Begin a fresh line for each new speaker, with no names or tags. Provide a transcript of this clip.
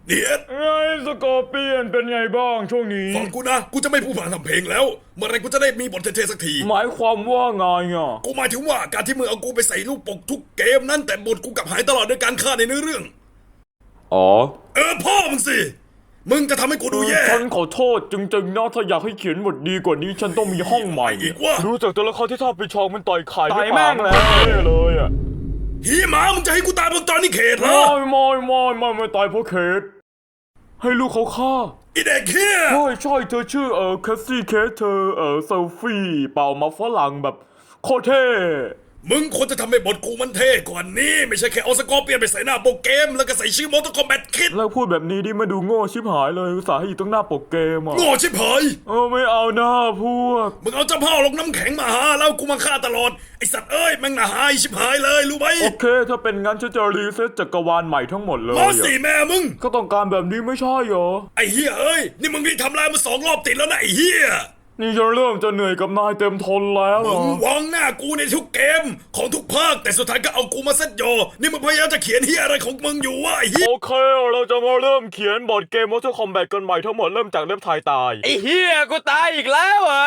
เนี่ย
ไงสกอร์เปียนเป็นไงบ้างช่วงนี้
ฟังกูนะกูจะไม่พูดผ่านทำเพลงแล้วเมื่อไรกูจะได้มีบทเท่ๆสักที
หมายความว่าไงอ่ะ
กูหมายถึงว่าการที่มึงเอากูไปใส่รูปปกทุกเกมนั้นแต่บทกูกลับหายตลอดด้วยการฆ่าในเนื้อเรื่อง
อ๋อ
พ่อมึงสิมึงก็ทำให้กูดูแย่
ฉันขอโทษจริงๆนะถ้าอยากให้เขียนบทดีกว่านี้ฉันต้องมีห้องใหม่
อีกว่า
ดูจากตัวละครที่ชอบไปชองมันต่อยไข่
ต่อยแม่งเลย
เลยอ่ะ
หีหมามึงจะให้กูตายบนจอนี่เขตเหรอ
ไม่ตายเพราะเคสให้ลูกเขาฆ่า
ไอเด็กเฮีย
ใช่เธอชื่อแคสซี่เคสเธอเซลฟี่เป่ามาฝรั่งแบบโคตรเท่
มึงควรจะทำให้บทกูมันเท่กว่านี้ไม่ใช่แค่เอาสกอร์เปลี่ยนไปใส่หน้าโปรเกมแล้วก็ใส่ชื่อมอเตอร์คอมแบทคิด
แล้วพูดแบบนี้ดิมาดูโง่ชิบหายเลยอุตส่าห์ให้อยู่ตรงหน้าปกเกมอ่ะ
โง่ชิบหาย
ไม่เอาหน้าพวก
มึงเอาเจ้าพ่อลงน้ำแข็งมาหาแล้วกูมาฆ่าตลอดไอสัตว์เอ้ยแม่งน่าหายชิบหายเลยรู้ไหม
โอเคถ้าเป็นงั้นฉันจะรีเซ็ตจักรวาลใหม่ทั้งหมดเลย
มา
อะ
สิแม่มึง
ก็ต้องการแบบนี้ไม่ใช่เหรอ
ไอเฮียเอ้ยนี่มึงนี่ทำลายมา2 รอบติดแล้วนะไอเฮีย
นี่จะเริ่มจะเหนื่อยกับนายเต็มทนแล้วเหร
มึ
อง
วางหน้ากูในทุกเกมของทุกภาคแต่สุดท้ายก็เอากูมาเซตโยนี่มึงพยายามจะเขียนเฮียอะไรของมึงอยู่วะไอเฮีย
โอเคเราจะมาเริ่มเขียนบทเกม Mortal Kombat กันใหม่ทั้งหมดเริ่มจากเล่มทายตาย
ไอ้เฮียกูตายอีกแล้วเหรอ